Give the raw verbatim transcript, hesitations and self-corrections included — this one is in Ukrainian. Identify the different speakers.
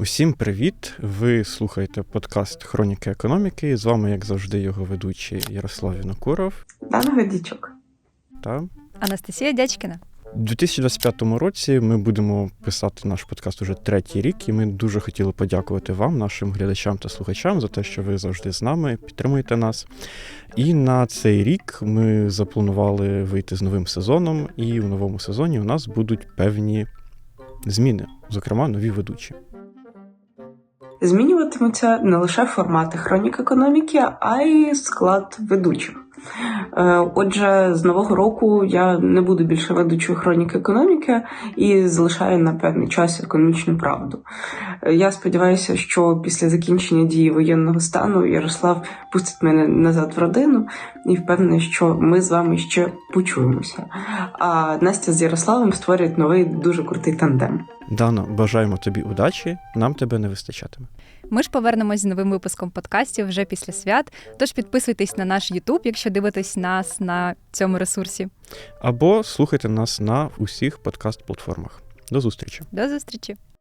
Speaker 1: Усім привіт! Ви слухаєте подкаст «Хроніки економіки». З вами, як завжди, його ведучий Ярослав Вінокуров.
Speaker 2: Дана Годічук.
Speaker 1: Та
Speaker 3: Анастасія Дячкіна.
Speaker 1: У дві тисячі двадцять п'ятому році ми будемо писати наш подкаст уже третій рік, і ми дуже хотіли подякувати вам, нашим глядачам та слухачам, за те, що ви завжди з нами, підтримуєте нас. І на цей рік ми запланували вийти з новим сезоном, і у новому сезоні у нас будуть певні зміни, зокрема, нові ведучі.
Speaker 2: Змінюватимуться не лише формати хронік економіки, а й склад ведучих. Отже, з нового року я не буду більше ведучою хронік економіки і залишаю на певний час економічну правду. Я сподіваюся, що після закінчення дії воєнного стану Ярослав пустить мене назад в родину і впевнений, що ми з вами ще почуємося. А Настя з Ярославом створюють новий дуже крутий тандем.
Speaker 1: Дана, бажаємо тобі удачі, нам тебе не вистачатиме.
Speaker 3: Ми ж повернемось з новим випуском подкастів вже після свят, тож підписуйтесь на наш YouTube, якщо дивитесь нас на цьому ресурсі.
Speaker 1: Або слухайте нас на усіх подкаст-платформах. До зустрічі!
Speaker 3: До зустрічі!